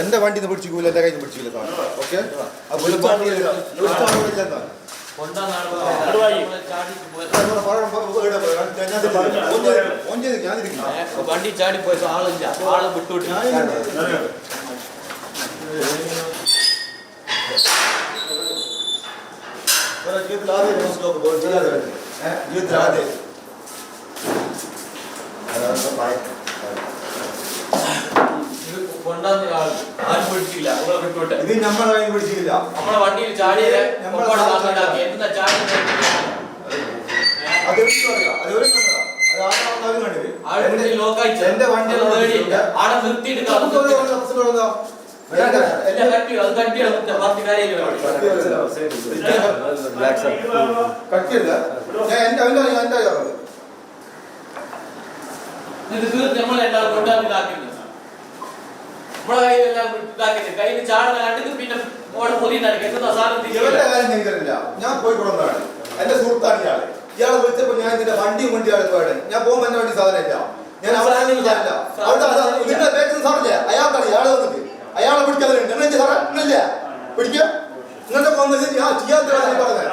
എന്റെ വണ്ടി പിടിച്ചില്ല, എന്റെ കയ്യിൽ പിടിച്ചില്ല. ഓക്കെ, വണ്ടി ചാടി പോയപ്പോ ആളില്ല, ആളെ വിട്ടോട്ട് ആരും പിടിച്ചില്ല. ഇത് നമ്മളെ കയ്യിൽ പിടിച്ചില്ല. നമ്മളെ വണ്ടിയിൽ ചാടിയത് എന്താ ചാടി എന്റെ വണ്ടി ആടെ നിർത്തിയിട്ട് നമ്മളെല്ലാം കൊണ്ടാക്കി ഇതാക്കുന്നത്. നമ്മളെ കയ്യിലെല്ലാം ഇതാക്കിയത് കയ്യിൽ ചാടുന്ന കണ്ടിട്ട് പിന്നെ ഓടെ പൊതി നടക്കുക. എന്താ സാധനം ഞാൻ പോയി കൊടുക്കുന്നതാണ്. എന്റെ സുഹൃത്താണ് ഇയാള്. ഇയാളെ വിളിച്ചപ്പോ ഞാൻ ഇതിന്റെ വണ്ടിയും വണ്ടിയാണ് പോയത്. ഞാൻ പോകുമ്പോ എന്റെ വണ്ടി സാധനം ഇല്ല. ഞാൻ അവിടെ നിങ്ങളുടെ ബാക്കിൽ സാറില്ല. അയാൾക്കാണ് ഇയാളെ വന്നിട്ട് അയാളെ പിടിക്കാതെ പിടിക്കുക. നിങ്ങളുടെ ഞാൻ ചെയ്യാത്ത പറഞ്ഞത്